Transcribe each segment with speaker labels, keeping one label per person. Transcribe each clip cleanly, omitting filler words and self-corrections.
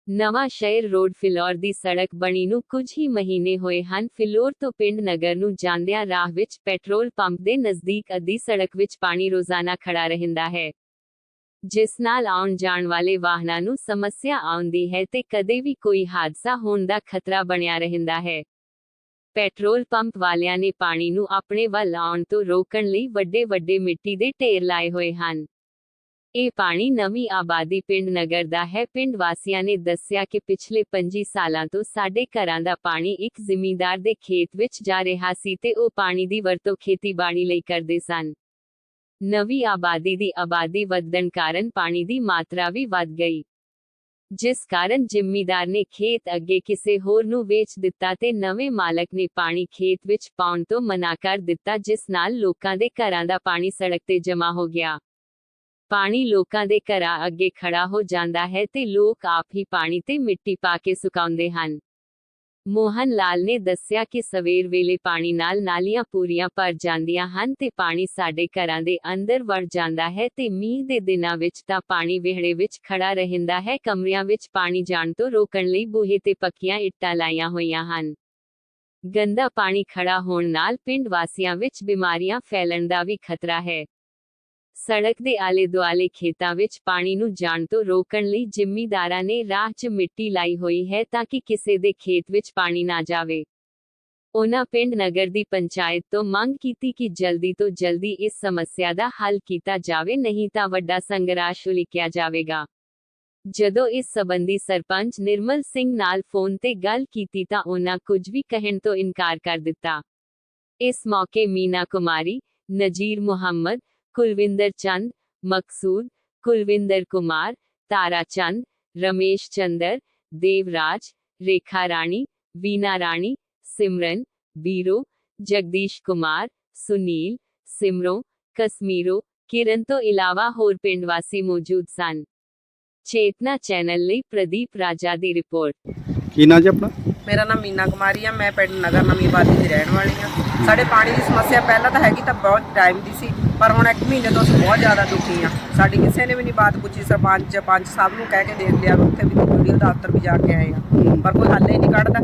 Speaker 1: ਨਵਾਂ ਸ਼ਹਿਰ ਰੋਡ ਫਿਲੌਰ ਦੀ ਸੜਕ ਬਣੀ ਨੂੰ ਕੁਝ ਹੀ ਮਹੀਨੇ ਹੋਏ ਹਨ। ਫਿਲੌਰ ਤੋਂ ਪਿੰਡ ਨਗਰ ਨੂੰ ਜਾਂਦਿਆਂ ਰਾਹ ਵਿੱਚ ਪੈਟਰੋਲ ਪੰਪ ਦੇ ਨਜ਼ਦੀਕ ਅੱਧੀ ਸੜਕ ਵਿੱਚ ਪਾਣੀ ਰੋਜ਼ਾਨਾ ਖੜਾ ਰਹਿੰਦਾ ਹੈ, ਜਿਸ ਨਾਲ ਆਉਣ ਜਾਣ ਵਾਲੇ ਵਾਹਨਾਂ ਨੂੰ ਸਮੱਸਿਆ ਆਉਂਦੀ ਹੈ ਤੇ ਕਦੇ ਵੀ ਕੋਈ ਹਾਦਸਾ ਹੋਣ ਦਾ ਖਤਰਾ ਬਣਿਆ ਰਹਿੰਦਾ ਹੈ। ਪੈਟਰੋਲ ਪੰਪ ਵਾਲਿਆਂ ਨੇ ਪਾਣੀ ਨੂੰ ਆਪਣੇ ਵੱਲ ਆਉਣ ਤੋਂ ਰੋਕਣ ਲਈ ਵੱਡੇ ਮਿੱਟੀ ਦੇ ਢੇਰ ਲਾਏ ਹੋਏ ਹਨ। ਇਹ ਪਾਣੀ ਨਵੀਂ ਆਬਾਦੀ ਪਿੰਡ ਨਗਰ ਦਾ ਹੈ। ਪਿੰਡ ਵਾਸੀਆਂ ਨੇ ਦੱਸਿਆ ਕਿ ਪਿਛਲੇ 25 ਸਾਲਾਂ ਤੋਂ ਸਾਡੇ ਘਰਾਂ ਦਾ ਪਾਣੀ ਇੱਕ ਜ਼ਿਮੀਂਦਾਰ ਦੇ ਖੇਤ ਵਿੱਚ ਜਾ ਰਿਹਾ ਸੀ ਤੇ ਉਹ ਪਾਣੀ ਦੀ ਵਰਤੋਂ ਖੇਤੀਬਾੜੀ ਲਈ ਕਰਦੇ ਸਨ। ਨਵੀਂ ਆਬਾਦੀ ਦੀ ਆਬਾਦੀ ਵਧਣ ਕਾਰਨ ਪਾਣੀ ਦੀ ਮਾਤਰਾ ਵੀ ਵੱਧ ਗਈ, ਜਿਸ ਕਾਰਨ ਜ਼ਿਮੀਂਦਾਰ ਨੇ ਖੇਤ ਅੱਗੇ ਕਿਸੇ ਹੋਰ ਨੂੰ ਵੇਚ ਦਿੱਤਾ ਤੇ ਨਵੇਂ ਮਾਲਕ ਨੇ ਪਾਣੀ ਖੇਤ ਵਿੱਚ ਪਾਉਣ ਤੋਂ ਮਨਾ ਕਰ ਦਿੱਤਾ, ਜਿਸ ਨਾਲ ਲੋਕਾਂ ਦੇ ਘਰਾਂ ਦਾ ਪਾਣੀ ਸੜਕ ਤੇ ਜਮ੍ਹਾਂ ਹੋ ਗਿਆ। ਪਾਣੀ ਲੋਕਾਂ ਦੇ ਘਰਾਂ ਅੱਗੇ ਖੜਾ ਹੋ ਜਾਂਦਾ ਹੈ ਤੇ ਲੋਕ ਆਪ ਹੀ ਪਾਣੀ ਤੇ ਮਿੱਟੀ ਪਾ ਕੇ ਸੁਕਾਉਂਦੇ ਹਨ। ਮੋਹਨ ਲਾਲ ਨੇ ਦੱਸਿਆ ਕਿ ਸਵੇਰ ਵੇਲੇ ਪਾਣੀ ਨਾਲ ਨਾਲੀਆਂ ਪੂਰੀਆਂ ਭਰ ਜਾਂਦੀਆਂ ਹਨ ਤੇ ਪਾਣੀ ਸਾਡੇ ਘਰਾਂ ਦੇ ਅੰਦਰ ਵੜ ਜਾਂਦਾ ਹੈ ਤੇ ਮੀਂਹ ਦੇ ਦਿਨਾਂ ਵਿੱਚ ਤਾਂ ਪਾਣੀ ਵਿਹੜੇ ਵਿੱਚ ਖੜਾ ਰਹਿੰਦਾ ਹੈ। ਕਮਰਿਆਂ ਵਿੱਚ ਪਾਣੀ ਜਾਣ ਤੋਂ ਰੋਕਣ ਲਈ ਬੂਹੇ ਤੇ ਪੱਕੀਆਂ ਇੱਟਾਂ ਲਾਈਆਂ ਹੋਈਆਂ ਹਨ। ਗੰਦਾ ਪਾਣੀ ਖੜਾ ਹੋਣ ਨਾਲ ਪਿੰਡ ਵਾਸੀਆਂ ਵਿੱਚ ਬਿਮਾਰੀਆਂ ਫੈਲਣ ਦਾ ਵੀ ਖਤਰਾ ਹੈ। ਸੜਕ ਦੇ ਆਲੇ ਦੁਆਲੇ ਖੇਤਾਂ ਵਿੱਚ ਪਾਣੀ ਨੂੰ ਜਾਣ ਤੋਂ ਰੋਕਣ ਲਈ ਜ਼ਿਮੀਂਦਾਰਾਂ ਨੇ ਰਾਹ 'ਚ ਮਿੱਟੀ ਲਾਈ ਹੋਈ ਹੈ ਤਾਂ ਕਿ ਕਿਸੇ ਦੇ ਖੇਤ ਵਿੱਚ ਪਾਣੀ ਨਾ ਜਾਵੇ। ਉਹਨਾਂ ਪਿੰਡ ਨਗਰ ਦੀ ਪੰਚਾਇਤ ਤੋਂ ਮੰਗ ਕੀਤੀ ਕਿ ਜਲਦੀ ਤੋਂ ਜਲਦੀ ਇਸ ਸਮੱਸਿਆ ਦਾ ਹੱਲ ਕੀਤਾ ਜਾਵੇ, ਨਹੀਂ ਤਾਂ ਵੱਡਾ ਸੰਘਰਸ਼ ਉਲੀਕਿਆ ਜਾਵੇਗਾ। ਜਦੋਂ ਇਸ ਸੰਬੰਧੀ ਸਰਪੰਚ ਨਿਰਮਲ ਸਿੰਘ ਨਾਲ ਫੋਨ ਤੇ ਗੱਲ ਕੀਤੀ ਤਾਂ ਉਹਨਾਂ ਕੁਝ ਵੀ ਕਹਿਣ ਤੋਂ ਇਨਕਾਰ ਕਰ ਦਿੱਤਾ। ਇਸ ਮੌਕੇ ਮੀਨਾ ਕੁਮਾਰੀ, ਨਜੀਰ ਮੁਹੰਮਦ, कुलविंदर चंद, मकसूद, कुलविंदर कुमार, तारा चंद, रमेश चंदर, देवराज, रेखा रानी, वीना रानी, सिमरन, बीरो, जगदीश कुमार, सुनील, सिमरो, कश्मीरो, किरण तो इलावा होर पिंड वासी मौजूद सन। चेतना चैनल ਲਈ प्रदीप राजा ਦੀ ਰਿਪੋਰਟ।
Speaker 2: ਕੀ ਨਾਂ ਜੀ ਆਪਣਾ?
Speaker 3: ਮੇਰਾ ਨਾਮ ਮੀਨਾ ਕੁਮਾਰੀ ਆ। ਮੈਂ ਪਿੰਡ ਨਗਰ ਨਵੀਂ ਆਬਾਦੀ ਦੀ ਰਹਿਣ ਵਾਲੀ ਆ। ਸਾਡੇ ਪਾਣੀ ਦੀ ਸਮੱਸਿਆ ਪਹਿਲਾਂ ਤਾਂ ਹੈਗੀ ਤਾਂ ਬਹੁਤ ਟਾਈਮ ਦੀ ਸੀ, ਪਰ ਹੁਣ 1 ਮਹੀਨੇ ਤੋਂ ਅਸੀਂ ਬਹੁਤ ਜ਼ਿਆਦਾ ਦੁਖੀ ਆ। ਸਾਡੀ ਕਿਸੇ ਨੇ ਵੀ ਨਹੀਂ ਬਾਤ ਪੁੱਛੀ। ਸਰਪੰਚ ਪੰਚ ਸਭ ਨੂੰ ਕਹਿ ਕੇ ਦੇਖ ਲਿਆ, ਉੱਥੇ ਵੀ ਵੀਡੀਓ ਦਫ਼ਤਰ ਵੀ ਜਾ ਕੇ ਆਏ ਆ, ਪਰ ਕੋਈ ਹੱਲ ਹੀ ਨਹੀਂ ਕੱਢਦਾ।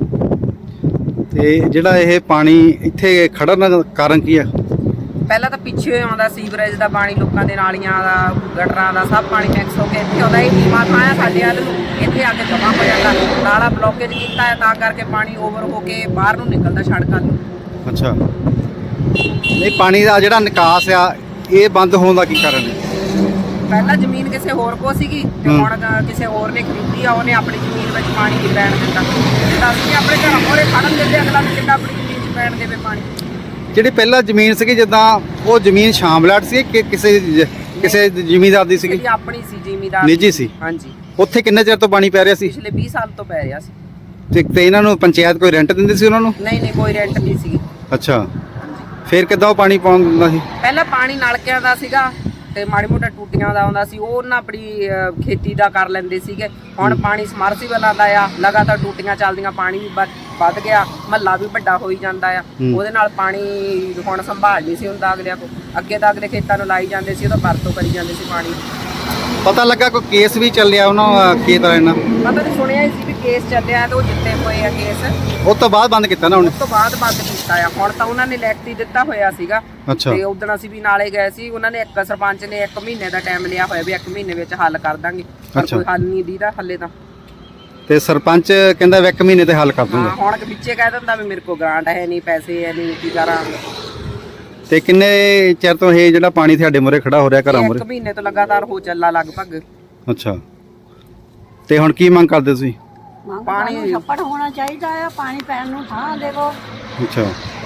Speaker 2: ਤੇ ਜਿਹੜਾ ਇਹ ਪਾਣੀ ਇੱਥੇ ਖੜਨ ਦਾ ਕਾਰਨ ਕੀ ਆ?
Speaker 3: ਪਹਿਲਾਂ ਤਾਂ ਪਿੱਛੇ ਆਉਂਦਾ ਸੀਵਰੇਜ ਦਾ ਪਾਣੀ, ਲੋਕਾਂ ਦੇ ਨਾਲੀਆਂ ਦਾ, ਗਟਰਾਂ ਦਾ ਸਭ ਪਾਣੀ ਮਿਕਸ ਹੋ ਕੇ ਇੱਥੇ ਆਉਂਦਾ। ਇਹ ਨੀਵਾਂ ਥਾਂ ਆ ਸਾਡੇ ਵੱਲ ਨੂੰ, ਇੱਥੇ ਆ ਕੇ ਜਮ੍ਹਾਂ ਹੋ ਜਾਂਦਾ। ਨਾਲਾ ਬਲੋਕੇਜ ਕੀਤਾ ਹੈ ਤਾਂ ਕਰਕੇ ਪਾਣੀ ਓਵਰ ਹੋ ਕੇ ਬਾਹਰ ਨੂੰ ਨਿਕਲਦਾ ਸੜਕਾਂ ਨੂੰ।
Speaker 2: ਅੱਛਾ, ਨਹੀਂ ਪਾਣੀ ਦਾ ਜਿਹੜਾ ਨਿਕਾਸ ਆ ਇਹ ਬੰਦ ਹੋਣ ਦਾ ਕੀ ਕਾਰਨ ਹੈ?
Speaker 3: ਪਹਿਲਾਂ ਜ਼ਮੀਨ ਕਿਸੇ ਹੋਰ ਕੋ ਸੀਗੀ ਤੇ ਹੁਣ ਕਿਸੇ ਹੋਰ ਨੇ ਖਰੀਦੀ ਆ, ਉਹਨੇ ਆਪਣੀ ਜ਼ਮੀਨ ਵਿੱਚ ਪਾਣੀ ਨਹੀਂ ਪੈਣ ਦਿੱਤਾ। ਤਾਂ ਅਸੀਂ ਆਪਣੇ ਘਰਾਂ ਮੋਰੇ ਖੜਨ ਦਿੰਦੇ, ਅਗਲਾ ਵੀ ਕਿੱਦਾਂ ਆਪਣੀ ਜ਼ਮੀਨ 'ਚ ਪੈਣ ਦੇਵੇ ਪਾਣੀ।
Speaker 2: ਜਿਹੜੀ ਪਹਿਲਾਂ ਜ਼ਮੀਨ ਸੀਗੀ, ਜਿੱਦਾਂ ਉਹ ਜ਼ਮੀਨ ਸ਼ਾਮਲਾਟ ਸੀ ਕਿ ਕਿਸੇ ਜ਼ਿਮੀਂਦਾਰ ਦੀ ਸੀਗੀ?
Speaker 3: ਆਪਣੀ ਸੀ, ਜ਼ਿਮੀਂਦਾਰ
Speaker 2: ਨਿੱਜੀ ਸੀ।
Speaker 3: ਹਾਂਜੀ।
Speaker 2: ਉੱਥੇ ਕਿੰਨੇ ਚਿਰ ਤੋਂ ਪਾਣੀ ਪੈ ਰਿਹਾ ਸੀ?
Speaker 3: ਪਿਛਲੇ 20 ਸਾਲ ਤੋਂ ਪੈ ਰਿਹਾ ਸੀ।
Speaker 2: ਤੇ ਇਹਨਾਂ ਨੂੰ ਪੰਚਾਇਤ ਕੋਈ ਰੈਂਟ ਦਿੰਦੀ ਸੀ ਉਹਨਾਂ ਨੂੰ?
Speaker 3: ਨਹੀਂ, ਕੋਈ ਰੈਂਟ ਨਹੀਂ ਸੀ।
Speaker 2: ਅੱਛਾ, ਫਿਰ ਕਿੱਦਾਂ ਉਹ ਪਾਣੀ ਪਾਉਣ ਦਿੰਦਾ ਸੀ?
Speaker 3: ਪਹਿਲਾਂ ਪਾਣੀ ਨਲਕਿਆਂ ਦਾ ਸੀਗਾ ਤੇ ਮਾੜੀ ਮੋਟਾ ਟੂਟੀਆਂ ਦਾ ਆਉਂਦਾ ਸੀ, ਉਹ ਉਹਨਾਂ ਆਪਣੀ ਖੇਤੀ ਦਾ ਕਰ ਲੈਂਦੇ ਸੀਗੇ। ਹੁਣ ਪਾਣੀ ਸਮਰਸੀਬਲਾਂ ਦਾ ਆ, ਲਗਾਤਾਰ ਟੂਟੀਆਂ ਚੱਲਦੀਆਂ, ਪਾਣੀ ਵੀ ਵੱਧ ਗਿਆ, ਮਹੱਲਾ ਵੀ ਵੱਡਾ ਹੋਈ ਜਾਂਦਾ ਆ। ਉਹਦੇ ਨਾਲ ਪਾਣੀ ਹੁਣ ਸੰਭਾਲ ਨਹੀਂ ਸੀ ਹੁੰਦਾ ਅਗਲਿਆਂ ਕੋਲ। ਅੱਗੇ ਤਾਂ ਅਗਲੇ ਖੇਤਾਂ ਨੂੰ ਲਾਈ ਜਾਂਦੇ ਸੀ, ਉਹਦਾ ਵਰਤੋਂ ਕਰੀ ਜਾਂਦੇ ਸੀ ਪਾਣੀ।
Speaker 2: ਪਤਾ ਲੱਗਾ ਕੋਈ ਕੇਸ ਵੀ ਚੱਲਿਆ ਉਹਨਾਂ ਖੇਤ ਵਾਲਿਆਂ ਨਾਲ?
Speaker 3: ਪਤਾ ਤਾਂ ਸੁਣਿਆ ਹੀ ਸੀ ਵੀ ਕੇਸ ਚੱਲਿਆ ਤੇ ਉਹ ਜਿੱਤੇ ਹੋਏ ਆ ਕੇਸ।
Speaker 2: ਉਸ ਤੋਂ ਬਾਅਦ ਬੰਦ ਕੀਤਾ ਨਾ ਹੁਣ?
Speaker 3: ਉਸ ਤੋਂ ਬਾਅਦ ਬੰਦ ਕੀਤਾ ਆ। ਹੁਣ ਤਾਂ ਉਹਨਾਂ ਨੇ ਲਿਖਤੀ ਦਿੱਤਾ ਹੋਇਆ ਸੀਗਾ।
Speaker 2: ਅੱਛਾ।
Speaker 3: ਤੇ ਉਦੋਂ ਅਸੀਂ ਵੀ ਨਾਲੇ ਗਏ ਸੀ, ਉਹਨਾਂ ਨੇ ਸਰਪੰਚ ਨੇ 1 ਮਹੀਨੇ ਦਾ ਟਾਈਮ ਲਿਆ ਹੋਇਆ ਵੀ 1 ਮਹੀਨੇ ਵਿੱਚ ਹੱਲ ਕਰ ਦਾਂਗੇ, ਪਰ ਕੋਈ ਹੱਲ ਨਹੀਂ ਦੀਦਾ ਹੱਲੇ ਤਾਂ।
Speaker 2: ਤੇ ਸਰਪੰਚ ਕਹਿੰਦਾ 1 ਮਹੀਨੇ ਤੇ ਹੱਲ ਕਰ ਦੂੰਗਾ।
Speaker 3: ਹੁਣ ਵਿੱਚੇ ਕਹਿ ਦਿੰਦਾ ਵੀ ਮੇਰੇ ਕੋਲ ਗ੍ਰਾਂਟ ਹੈ ਨਹੀਂ, ਪੈਸੇ ਹੈ ਨਹੀਂ, ਕੀ ਕਰਾਂ।
Speaker 2: ਤੇ ਕਿੰਨੇ ਚਿਰ ਤੋਂ ਇਹ ਜਿਹੜਾ ਪਾਣੀ ਤੁਹਾਡੇ ਮੂਹਰੇ ਖੜਾ ਹੋ ਰਿਹਾ ਘਰਾਂ ਮੂਹਰੇ?
Speaker 3: 1 ਮਹੀਨੇ ਤੋਂ ਲਗਾਤਾਰ ਹੋ ਚੱਲਾ ਲਗਭਗ।
Speaker 2: ਅੱਛਾ, ਤੇ ਹੁਣ ਕੀ ਮੰਗ ਕਰਦੇ ਤੁਸੀਂ?
Speaker 4: ਪਾਣੀ ਛੱਪੜ ਹੋਣਾ ਚਾਹੀਦਾ ਆ, ਪਾਣੀ ਪੈਣ ਨੂੰ ਥਾਂ ਦੇਵੋ।
Speaker 2: ਅੱਛਾ,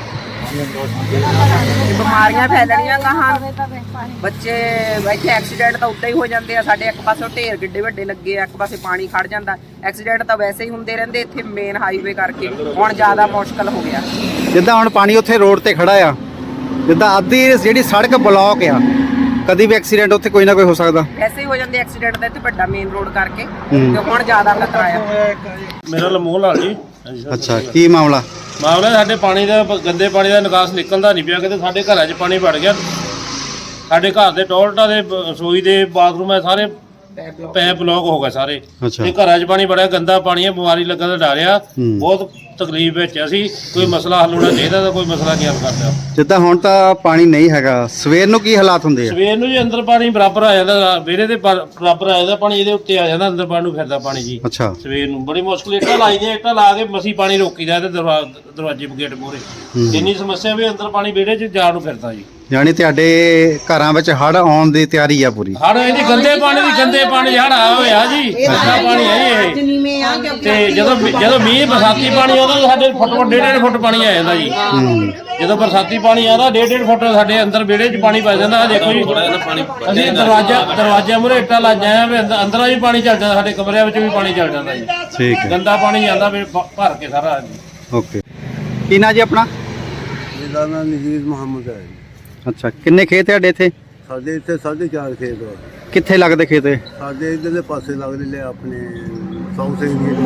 Speaker 3: ਬਿਮਾਰੀਆਂ ਫੈਲਣੀਆਂ ਗਾਹਾਂ, ਬੱਚੇ ਇੱਥੇ ਐਕਸੀਡੈਂਟ ਤਾਂ ਉੱਤੇ ਹੀ ਹੋ ਜਾਂਦੇ ਆ। ਸਾਡੇ ਇੱਕ ਪਾਸੇ ਢੇਰ ਕਿੱਡੇ ਵੱਡੇ ਲੱਗੇ ਆ, ਇੱਕ ਪਾਸੇ ਪਾਣੀ ਖੜ ਜਾਂਦਾ। ਐਕਸੀਡੈਂਟ ਤਾਂ ਵੈਸੇ ਹੀ ਹੁੰਦੇ ਰਹਿੰਦੇ ਇੱਥੇ ਮੇਨ ਹਾਈਵੇ ਕਰਕੇ, ਹੁਣ ਜ਼ਿਆਦਾ ਮੁਸ਼ਕਲ ਹੋ ਗਿਆ।
Speaker 2: ਜਿੱਦਾਂ ਹੁਣ ਪਾਣੀ ਉੱਥੇ ਰੋਡ ਤੇ ਖੜਾ ਆ, ਜਿੱਦਾਂ ਅੱਧੀ ਜਿਹੜੀ ਸੜਕ ਬਲੌਕ ਆ, ਕਦੀ ਵੀ ਐਕਸੀਡੈਂਟ ਉੱਥੇ ਕੋਈ ਨਾ ਕੋਈ ਹੋ ਸਕਦਾ।
Speaker 3: ਐਸੇ ਹੀ ਹੋ ਜਾਂਦੇ ਐਕਸੀਡੈਂਟ ਦਾ ਇੱਥੇ ਵੱਡਾ ਮੇਨ ਰੋਡ ਕਰਕੇ, ਤੇ ਹੁਣ ਜ਼ਿਆਦਾ ਖਤਰਾ ਆ।
Speaker 5: ਮੇਰਾ ਲਮੋਹ ਲਾਲ ਜੀ।
Speaker 2: ਅੱਛਾ, ਕੀ ਮਾਮਲਾ?
Speaker 5: ਮਾਮਲਾ ਸਾਡੇ ਪਾਣੀ ਦਾ, ਗੰਦੇ ਪਾਣੀ ਦਾ ਨਿਕਾਸ ਨਿਕਲਦਾ ਨਹੀਂ ਪਿਆ ਕਿਤੇ। ਸਾਡੇ ਘਰਾਂ 'ਚ ਪਾਣੀ ਵੜ ਗਿਆ। ਸਾਡੇ ਘਰ ਦੇ ਟੋਇਲਟਾਂ ਦੇ, ਰਸੋਈ ਦੇ, ਬਾਥਰੂਮ ਹੈ, ਸਾਰੇ ਪੈਪ ਬਲੌਕ ਹੋ ਗਏ ਸਾਰੇ
Speaker 2: ਅੱਛਾ
Speaker 5: ਤੇ ਘਰਾਂ 'ਚ ਪਾਣੀ ਬੜਾ ਗੰਦਾ ਪਾਣੀ ਹੈ, ਬਿਮਾਰੀ ਲੱਗਣ ਦਾ ਡਰ ਆ।
Speaker 2: ਹੂੰ।
Speaker 5: ਬਹੁਤ ਤਕਲੀਫ ਵਿੱਚ ਅਸੀਂ, ਕੋਈ ਮਸਲਾ ਹੱਲ ਹੋਣਾ ਚਾਹੀਦਾ ਤਾਂ ਕੋਈ ਮਸਲਾ ਨਹੀਂ ਹੱਲ ਕਰਦਾ।
Speaker 2: ਜਿੱਦਾਂ ਹੁਣ ਤਾਂ ਪਾਣੀ ਨਹੀਂ ਹੈਗਾ, ਸਵੇਰ ਨੂੰ ਕੀ ਹਾਲਾਤ ਹੁੰਦੇ ਆ?
Speaker 5: ਸਵੇਰ ਨੂੰ ਜੀ ਅੰਦਰ ਪਾਣੀ ਬਰਾਬਰ ਆ ਜਾਂਦਾ, ਵਿਹੜੇ ਦੇ ਬਰਾਬਰ ਆ ਜਾਂਦਾ ਪਾਣੀ, ਇਹਦੇ ਉੱਤੇ ਆ ਜਾਂਦਾ, ਅੰਦਰ ਪਾਣੀ ਨੂੰ ਫਿਰਦਾ ਪਾਣੀ ਜੀ।
Speaker 2: ਅੱਛਾ
Speaker 5: ਸਵੇਰ ਨੂੰ ਬੜੀ ਮੁਸ਼ਕਲ ਇੱਟਾਂ ਲਾਈਆਂ, ਇੱਟਾਂ ਲਾ ਕੇ ਮਸੀਂ ਪਾਣੀ ਰੋਕੀਦਾ ਤੇ ਦਰਵਾਜ਼ੇ ਗੇਟ ਮੂਹਰੇ।
Speaker 2: ਹੂੰ।
Speaker 5: ਇੰਨੀ ਸਮੱਸਿਆ ਵੀ ਅੰਦਰ ਪਾਣੀ ਵਿਹੜੇ 'ਚ ਜਾਣ ਨੂੰ ਫਿਰਦਾ ਜੀ।
Speaker 2: ਯਾਨੀ ਤੁਹਾਡੇ ਘਰਾਂ ਵਿੱਚ ਹੜ੍ਹ ਆਉਣ ਦੀ ਤਿਆਰੀ ਆ ਪੂਰੀ?
Speaker 5: ਹੜ ਇਹਦੀ ਗੰਦੇ ਪਾਣੀ ਹੜ ਆਇਆ ਹੋਇਆ ਜੀ, ਗੰਦਾ ਪਾਣੀ ਹੈ ਜੀ ਇਹ। ਤੇ ਜਦੋਂ ਮੀਂਹ ਬਰਸਾਤੀ ਪਾਣੀ ਆਉਂਦਾ ਸਾਡੇ ਫੁੱਟ 1.5 ਫੁੱਟ ਪਾਣੀ ਆ ਜਾਂਦਾ ਜੀ।
Speaker 2: ਹੂੰ।
Speaker 5: ਜਦੋਂ ਬਰਸਾਤੀ ਪਾਣੀ ਆਉਂਦਾ 1.5 ਫੁੱਟ ਸਾਡੇ ਅੰਦਰ ਵਿਹੜੇ 'ਚ ਪਾਣੀ ਪੈ ਜਾਂਦਾ। ਆਹ ਦੇਖੋ ਜੀ, ਅਸੀਂ ਦਰਵਾਜ਼ੇ ਮੂਹਰੇ ਇੱਟਾਂ ਲਾਈਆਂ ਆ ਵੀ ਅੰਦਰਾਂ ਵੀ ਪਾਣੀ ਚੱਲ ਜਾਂਦਾ, ਸਾਡੇ ਕਮਰਿਆਂ ਵਿੱਚ ਵੀ ਪਾਣੀ ਚੱਲ ਜਾਂਦਾ ਜੀ।
Speaker 2: ਠੀਕ ਹੈ,
Speaker 5: ਗੰਦਾ ਪਾਣੀ ਜਾਂਦਾ ਵੀ ਭਰ ਕੇ ਸਾਰਾ ਜੀ।
Speaker 2: ਓਕੇ। ਕੀ ਨਾਂ ਜੀ ਆਪਣਾ?
Speaker 6: ਮੇਰਾ ਨਾਮ ਨਜ਼ੀਰ ਮੁਹੰਮਦ ਹੈ।
Speaker 2: ਅੱਛਾ, ਕਿੰਨੇ ਖੇਤ ਤੁਹਾਡੇ ਇੱਥੇ?
Speaker 6: ਸਾਡੇ ਇੱਥੇ 4.5 ਖੇਤ ਆ।
Speaker 2: ਕਿੱਥੇ ਲੱਗਦੇ ਖੇਤ ਇਹ?
Speaker 6: ਸਾਡੇ ਇਧਰਲੇ ਪਾਸੇ ਲੱਗਦੇ ਲੈ ਆਪਣੇ ਸਾਊਥ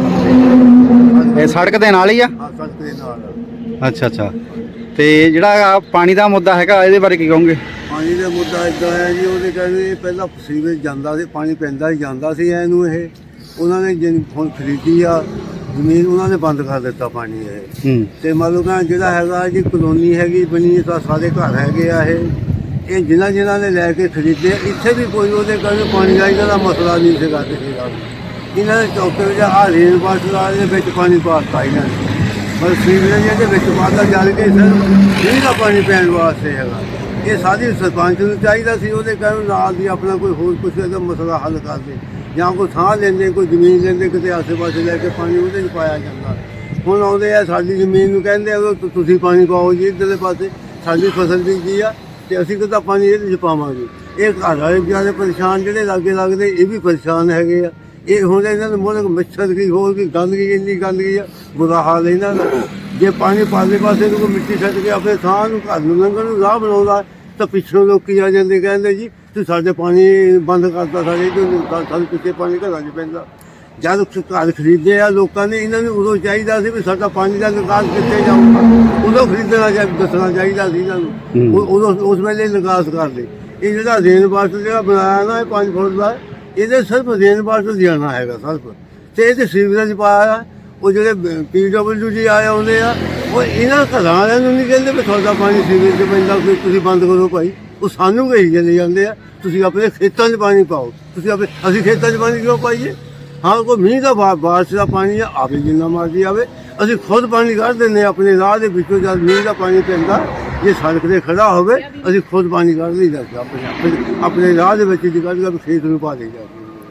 Speaker 6: ਏਰੀਆ ਦੇ
Speaker 2: ਇਹ ਸੜਕ ਦੇ ਨਾਲ ਹੀ ਆ?
Speaker 6: ਆ ਸੜਕ ਦੇ ਨਾਲ।
Speaker 2: ਅੱਛਾ ਅੱਛਾ। ਤੇ ਜਿਹੜਾ ਪਾਣੀ ਦਾ ਮੁੱਦਾ ਹੈਗਾ, ਇਹਦੇ ਬਾਰੇ ਕੀ ਕਹੋਗੇ?
Speaker 6: ਪਾਣੀ ਦਾ ਮੁੱਦਾ ਇਦਾਂ ਹੈ ਜੀ, ਉਹਦੇ ਕਹਿੰਦੇ ਪਹਿਲਾਂ ਸੀਵੇਜ ਜਾਂਦਾ ਸੀ, ਪਾਣੀ ਪੈਂਦਾ ਹੀ ਜਾਂਦਾ ਸੀ ਇਹਨੂੰ। ਇਹ ਉਹਨਾਂ ਨੇ ਹੁਣ ਖਰੀਦੀ ਆ ਜ਼ਮੀਨ, ਉਹਨਾਂ ਨੇ ਬੰਦ ਕਰ ਦਿੱਤਾ ਪਾਣੀ ਇਹ।
Speaker 2: ਹੂੰ।
Speaker 6: ਤੇ ਮੰਨ ਲਓ ਕਿ ਜਿਹੜਾ ਹੈਗਾ ਜੀ ਕਲੋਨੀ ਹੈਗੀ ਬਣੀ, ਤਾਂ ਸਾਰੇ ਘਰ ਹੈਗੇ ਆ। ਇਹ ਜਿਨ੍ਹਾਂ ਨੇ ਲੈ ਕੇ ਖਰੀਦੇ, ਇੱਥੇ ਵੀ ਕੋਈ ਉਹਦੇ ਕਰਕੇ ਪਾਣੀ ਦਾ ਇਹਨਾਂ ਦਾ ਮਸਲਾ ਨਹੀਂ ਸੀਗਾ ਕਿਸੇ ਦਾ। ਇਹਨਾਂ ਦੇ ਚੌਕੇ ਵਿੱਚ ਆ ਰੇਨ ਵਾਟਰ ਦੇ ਵਿੱਚ ਪਾਣੀ ਪਾਤਾ ਇਹਨਾਂ ਨੇ, ਪਰ ਸੀਵਰੇਜ ਦੇ ਵਿੱਚ ਪਾਤਾ ਜਲ ਕੇ ਸਰ ਨਹੀਂ ਦਾ ਪਾਣੀ ਪੈਣ ਵਾਸਤੇ ਹੈਗਾ। ਇਹ ਸਾਡੀ ਸਰਪੰਚ ਨੂੰ ਚਾਹੀਦਾ ਸੀ ਉਹਦੇ ਕਾਰਨ ਨਾਲ ਦੀ ਆਪਣਾ ਕੋਈ ਹੋਰ ਕੁਛ ਇਹਦਾ ਮਸਲਾ ਹੱਲ ਕਰਦੇ, ਜਾਂ ਕੋਈ ਥਾਂ ਲੈਂਦੇ, ਕੋਈ ਜ਼ਮੀਨ ਲੈਂਦੇ, ਕਿਤੇ ਆਸੇ-ਪਾਸੇ ਲੈ ਕੇ ਪਾਣੀ ਉਹਦੇ 'ਚ ਪਾਇਆ ਜਾਂਦਾ। ਹੁਣ ਆਉਂਦੇ ਆ ਸਾਡੀ ਜ਼ਮੀਨ ਨੂੰ ਕਹਿੰਦੇ ਆ ਤੁਸੀਂ ਪਾਣੀ ਪਾਓ ਜੀ ਇੱਧਰਲੇ ਪਾਸੇ, ਸਾਡੀ ਫਸਲ ਬੀਜੀ ਆ ਤੇ ਅਸੀਂ ਕਿੱਦਾਂ ਪਾਣੀ ਇਹਦੇ 'ਚ ਪਾਵਾਂਗੇ। ਇਹ ਘਰ ਵਾਲੇ ਵਿਚਾਰੇ ਪਰੇਸ਼ਾਨ, ਜਿਹੜੇ ਲਾਗੇ ਲੱਗਦੇ ਇਹ ਵੀ ਪਰੇਸ਼ਾਨ ਹੈਗੇ ਆ। ਇਹ ਹੁਣ ਇਹਨਾਂ ਨੂੰ ਮੋਰੇ ਮੱਛਰ ਕੀ ਹੋਰ ਕੀ ਗੰਦਗੀ, ਇੰਨੀ ਗੰਦਗੀ ਆ, ਬੁਰਾ ਹਾਲ ਇਹਨਾਂ ਦਾ। ਜੇ ਪਾਣੀ ਪਾਲੇ ਪਾਸੇ ਨੂੰ ਕੋਈ ਮਿੱਟੀ ਛੱਡ ਕੇ ਆਪਣੇ ਥਾਂ ਨੂੰ ਘਰ ਨੂੰ ਲੰਘਣ ਨੂੰ ਰਾਹ ਬਣਾਉਂਦਾ, ਤਾਂ ਪਿੱਛੋਂ ਲੋਕੀ ਆ ਜਾਂਦੇ ਕਹਿੰਦੇ ਜੀ ਤੁਸੀਂ ਸਾਡੇ ਪਾਣੀ ਬੰਦ ਕਰਤਾ, ਸਾਡੇ ਪਿੱਛੇ ਪਾਣੀ ਘਰਾਂ 'ਚ ਪੈਂਦਾ। ਜਦ ਘਰ ਖਰੀਦੇ ਆ ਲੋਕਾਂ ਨੇ, ਇਹਨਾਂ ਨੂੰ ਉਦੋਂ ਚਾਹੀਦਾ ਸੀ ਵੀ ਸਾਡਾ ਪਾਣੀ ਦਾ ਨਿਕਾਸ ਕਿੱਥੇ ਜਾਊਗਾ, ਉਦੋਂ ਖਰੀਦਣਾ ਦੱਸਣਾ ਚਾਹੀਦਾ ਸੀ ਇਹਨਾਂ ਨੂੰ। ਉਦੋਂ ਉਸ ਵੇਲੇ ਨਿਕਾਸ ਕਰਦੇ। ਇਹ ਜਿਹੜਾ ਰੇਨ ਵਾਟਰ ਜਿਹੜਾ ਬਣਾਇਆ ਨਾ, ਇਹ 5 ਫੁੱਟ ਦਾ, ਇਹਦੇ ਸਿਰਫ ਰੇਨ ਵਾਟਰ ਦੇਣਾ ਹੈਗਾ ਸਿਰਫ, ਤੇ ਇਹਦੇ ਸੀਵਰੇਜ ਪਾਇਆ। ਉਹ ਜਿਹੜੇ PWD ਆਏ ਆਉਂਦੇ ਆ, ਉਹ ਇਹਨਾਂ ਘਰਾਂ ਵਾਲਿਆਂ ਨੂੰ ਨਹੀਂ ਕਹਿੰਦੇ ਵੀ ਤੁਹਾਡਾ ਪਾਣੀ ਸੀਵਰੇਜ 'ਚ ਪੈਂਦਾ, ਤੁਸੀਂ ਬੰਦ ਕਰੋ ਭਾਈ। ਉਹ ਸਾਨੂੰ ਕਹੀ ਚਲੇ ਜਾਂਦੇ ਆ ਤੁਸੀਂ ਆਪਣੇ ਖੇਤਾਂ 'ਚ ਪਾਣੀ ਪਾਓ, ਅਸੀਂ ਖੇਤਾਂ 'ਚ ਪਾਣੀ ਕਿਉਂ ਪਾਈਏ? ਹਾਂ, ਕੋਈ ਮੀਂਹ ਦਾ ਬਾਰਿਸ਼ ਦਾ ਪਾਣੀ ਆ, ਆਵੇ ਜਿੰਨਾ ਮਰਜ਼ੀ ਆਵੇ, ਅਸੀਂ ਖੁਦ ਪਾਣੀ ਕੱਢ ਦਿੰਦੇ ਆਪਣੇ ਰਾਹ ਦੇ ਵਿੱਚੋਂ। ਜਦ ਮੀਂਹ ਦਾ ਪਾਣੀ ਪੈਂਦਾ, ਜੇ ਸੜਕ 'ਤੇ ਖੜਾ ਹੋਵੇ, ਅਸੀਂ ਖੁਦ ਪਾਣੀ ਕੱਢ ਲਈਦਾ ਆਪਣੇ ਰਾਹ ਦੇ ਵਿੱਚ ਦੀ ਕੱਢ ਕੇ ਖੇਤ ਨੂੰ ਪਾ ਦੇਈਦਾ।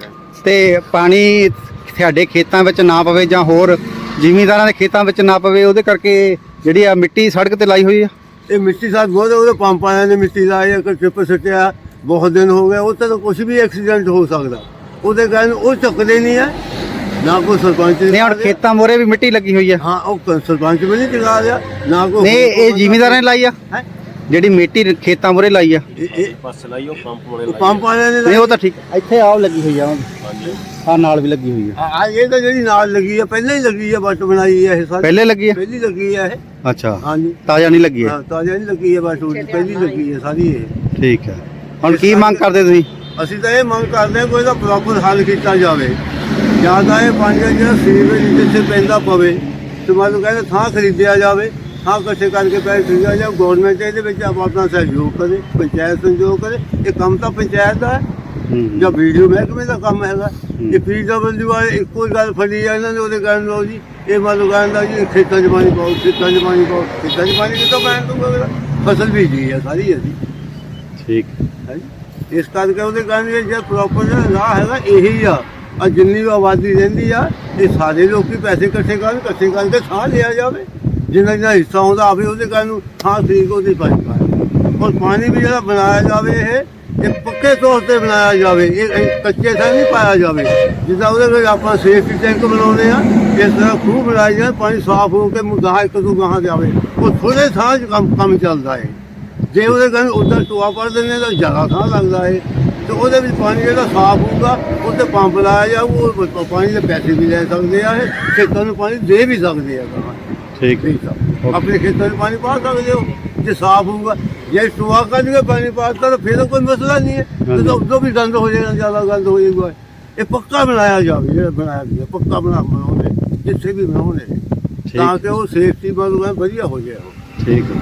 Speaker 2: ਤੇ ਪਾਣੀ ਤੁਹਾਡੇ ਖੇਤਾਂ ਵਿੱਚ ਨਾ ਪਵੇ ਜਾਂ ਹੋਰ ਜ਼ਿਮੀਂਦਾਰਾਂ ਦੇ ਖੇਤਾਂ ਵਿੱਚ ਨਾ ਪਵੇ, ਉਹਦੇ ਕਰਕੇ ਜਿਹੜੀ ਆ ਮਿੱਟੀ ਸੜਕ ਤੇ ਲਾਈ ਹੋਈ ਆ,
Speaker 6: ਇਹ ਮਿੱਟੀ ਸਾਥ ਬਹੁਤ ਉਹਦੇ ਪੰਪ ਵਾਲਿਆਂ ਨੇ ਮਿੱਟੀ ਲਾਈ ਆ, ਟਿੱਪ ਸੁੱਟਿਆ, ਬਹੁਤ ਦਿਨ ਹੋ ਗਏ। ਉੱਥੇ ਤਾਂ ਕੁਝ ਵੀ ਐਕਸੀਡੈਂਟ ਹੋ ਸਕਦਾ, ਉਹਦੇ ਕਾਰਨ ਉਹ ਚੱਕਦੇ ਨਹੀਂ ਆ। ਨਾ ਕੋਈ ਸਰਪੰਚ
Speaker 2: ਨਹੀਂ ਹੁਣ ਖੇਤਾਂ ਮੋਰੇ ਵੀ ਮਿੱਟੀ ਲੱਗੀ ਹੋਈ ਆ।
Speaker 6: ਹਾਂ, ਉਹ ਸਰਪੰਚ ਵੀ ਨਹੀਂ ਚੁਕਾ ਰਿਹਾ, ਨਾ ਕੋਈ।
Speaker 2: ਨਹੀਂ, ਇਹ ਜ਼ਿਮੀਂਦਾਰਾਂ ਨੇ ਲਾਈ ਆ
Speaker 6: ਹੈਂ?
Speaker 2: ਜਿਹੜੀ ਮਿੱਟੀ ਖੇਤਾਂ ਮੋਰੇ ਲਾਈ ਆ?
Speaker 6: ਪੰਪ ਵਾਲਿਆਂ ਨੇ
Speaker 2: ਨਹੀਂ, ਉਹ ਤਾਂ ਠੀਕ, ਇੱਥੇ ਆਹ ਲੱਗੀ ਹੋਈ ਆ, ਆ ਨਾਲ ਵੀ ਲੱਗੀ ਹੋਈ ਆ।
Speaker 6: ਇਹ ਤਾਂ ਜਿਹੜੀ ਨਾਲ ਲੱਗੀ ਆ, ਪਹਿਲਾਂ ਹੀ ਲੱਗੀ ਆ, ਬੱਟ ਬਣਾਈ ਆ ਇਹ ਸਾਰੀ,
Speaker 2: ਪਹਿਲੇ ਲੱਗੀ ਆ?
Speaker 6: ਪਹਿਲੀ ਲੱਗੀ ਆ ਇਹ।
Speaker 2: ਅੱਛਾ,
Speaker 6: ਹਾਂਜੀ,
Speaker 2: ਤਾਜ਼ਾ ਨਹੀਂ ਲੱਗੀ ਹੈ?
Speaker 6: ਹਾਂ, ਤਾਜ਼ਾ ਨਹੀਂ ਲੱਗੀ ਆ, ਬੱਟ ਪਹਿਲੀ ਲੱਗੀ ਆ ਸਾਰੀ ਇਹ।
Speaker 2: ਠੀਕ ਹੈ। ਹੁਣ ਕੀ ਮੰਗ ਕਰਦੇ ਤੁਸੀਂ?
Speaker 6: ਅਸੀਂ ਤਾਂ ਇਹ ਮੰਗ ਕਰਦੇ ਹਾਂ ਕੋਈ ਇਹਦਾ ਪ੍ਰੋਪਰ ਹੱਲ ਕੀਤਾ ਜਾਵੇ, ਜਾਂ ਤਾਂ ਇਹ ਪਾਣੀ ਦਾ ਜਿਹੜਾ ਸੀਵਰੇਜ ਜਿੱਥੇ ਪੈਂਦਾ ਪਵੇ, ਤੇ ਮੰਨ ਲਓ ਕਹਿੰਦੇ ਥਾਂ ਖਰੀਦਿਆ ਜਾਵੇ, ਥਾਂ ਇਕੱਠੇ ਕਰਕੇ ਪੈਸੇ ਖਰੀਦਿਆ ਜਾਵੇ। ਗੌਰਮੈਂਟ ਇਹਦੇ ਵਿੱਚ ਆਪਣਾ ਸਹਿਯੋਗ ਕਰੇ, ਪੰਚਾਇਤ ਸਹਿਯੋਗ ਕਰੇ। ਇਹ ਕੰਮ ਤਾਂ ਪੰਚਾਇਤ ਦਾ ਹੈ ਜਾਂ ਵੀਡੀਓ ਮਹਿਕਮੇ ਦਾ ਕੰਮ ਹੈਗਾ। ਇਹ PWD ਵਾਲੇ ਇੱਕੋ ਹੀ ਗੱਲ ਫੜੀ ਆ ਇਹਨਾਂ ਨੇ, ਉਹਦੇ ਕਾਰਨ ਲਓ ਜੀ ਇਹ ਮੰਨ ਲਓ ਕਹਿੰਦਾ ਜੀ ਖੇਤਾਂ 'ਚ ਪਾਣੀ ਪਾਓ, ਖੇਤਾਂ 'ਚ ਪਾਣੀ ਪਾਓ। ਖੇਤਾਂ 'ਚ ਪਾਣੀ ਕਿੱਥੋਂ ਪੈਣ ਦੂਗਾ? ਫਸਲ ਬੀਜੀ ਆ ਸਾਰੀ ਅਸੀਂ।
Speaker 2: ਠੀਕ
Speaker 6: ਹੈ ਜੀ। ਇਸ ਕਰਕੇ ਉਹਦੇ ਕਾਰਨ ਇਹ ਜਿਹੜਾ ਪ੍ਰੋਪਰ ਜਿਹੜਾ ਰਾਹ ਹੈਗਾ ਇਹੀ ਆ। ਜਿੰਨੀ ਵੀ ਆਬਾਦੀ ਰਹਿੰਦੀ ਆ, ਇਹ ਸਾਰੇ ਲੋਕੀ ਪੈਸੇ ਇਕੱਠੇ ਕਰਕੇ ਥਾਂ ਲਿਆ ਜਾਵੇ, ਜਿੰਨਾ ਹਿੱਸਾ ਆਉਂਦਾ ਆਵੇ ਉਹਦੇ ਕਾਰਨ ਥਾਂ ਠੀਕ ਉਹਦੀ ਪਾਣੀ ਪਾਏ। ਔਰ ਪਾਣੀ ਵੀ ਜਿਹੜਾ ਬਣਾਇਆ ਜਾਵੇ ਇਹ ਪੱਕੇ ਤੌਰ 'ਤੇ ਬਣਾਇਆ ਜਾਵੇ, ਇਹ ਕੱਚੇ ਥਾਂ ਨਹੀਂ ਪਾਇਆ ਜਾਵੇ। ਜਿੱਦਾਂ ਉਹਦੇ ਵਿੱਚ ਆਪਾਂ ਸੇਫਟੀ ਟੈਂਕ ਬਣਾਉਂਦੇ ਆ, ਇਸ ਤਰ੍ਹਾਂ ਖੂਹ ਬਣਾਇਆ ਜਾਵੇ, ਪਾਣੀ ਸਾਫ਼ ਹੋ ਕੇ ਗਾਹਾਂ ਇੱਕ ਦੋ ਗਾਹਾਂ ਜਾਵੇ। ਉਹ ਥੋੜ੍ਹੇ ਥਾਂ 'ਚ ਕੰਮ ਚੱਲਦਾ ਹੈ। ਜੇ ਉਹਦੇ ਕਾਰਨ ਉੱਦਾਂ ਟੋਆ ਪੜ ਦਿੰਦੇ ਤਾਂ ਜ਼ਿਆਦਾ ਥਾਂ ਲੱਗਦਾ ਹੈ, ਤੇ ਉਹਦੇ ਵਿੱਚ ਪਾਣੀ ਜਿਹੜਾ ਸਾਫ਼ ਹੋਊਗਾ ਉੱਤੇ ਪੰਪ ਲਾਇਆ ਜਾਊ, ਉਹ ਪਾਣੀ ਦੇ ਪੈਸੇ ਵੀ ਲੈ ਸਕਦੇ ਆ, ਇਹ ਖੇਤਾਂ ਨੂੰ ਪਾਣੀ ਦੇ ਵੀ ਸਕਦੇ ਆ।
Speaker 2: ਠੀਕ
Speaker 6: ਹੈ, ਆਪਣੇ ਖੇਤਾਂ ਨੂੰ ਪਾਣੀ ਪਾ ਸਕਦੇ ਹੋ ਜੇ ਸਾਫ਼ ਹੋਊਗਾ। ਜੇ ਟੋਆ ਕੱਢ ਕੇ ਪਾਣੀ ਪਾਤਾ ਤਾਂ ਫਿਰ ਕੋਈ ਮਸਲਾ ਨਹੀਂ ਹੈ, ਉਦੋਂ ਵੀ ਗੰਦ ਹੋ ਜਾਏਗਾ, ਜ਼ਿਆਦਾ ਗੰਦ ਹੋ ਜਾਊਗਾ। ਇਹ ਪੱਕਾ ਬਣਾਇਆ ਜਾਵੇ, ਜਿਹੜਾ ਬਣਾਇਆ ਗਿਆ ਪੱਕਾ ਬਣਾਉਂਦੇ ਜਿੱਥੇ ਵੀ ਬਣਾਉਂਦੇ ਤਾਂ ਕਿ ਉਹ ਸੇਫਟੀ ਬਣੂਗਾ ਵਧੀਆ ਹੋ ਜਾਏ ਉਹ।
Speaker 2: ਠੀਕ ਹੈ।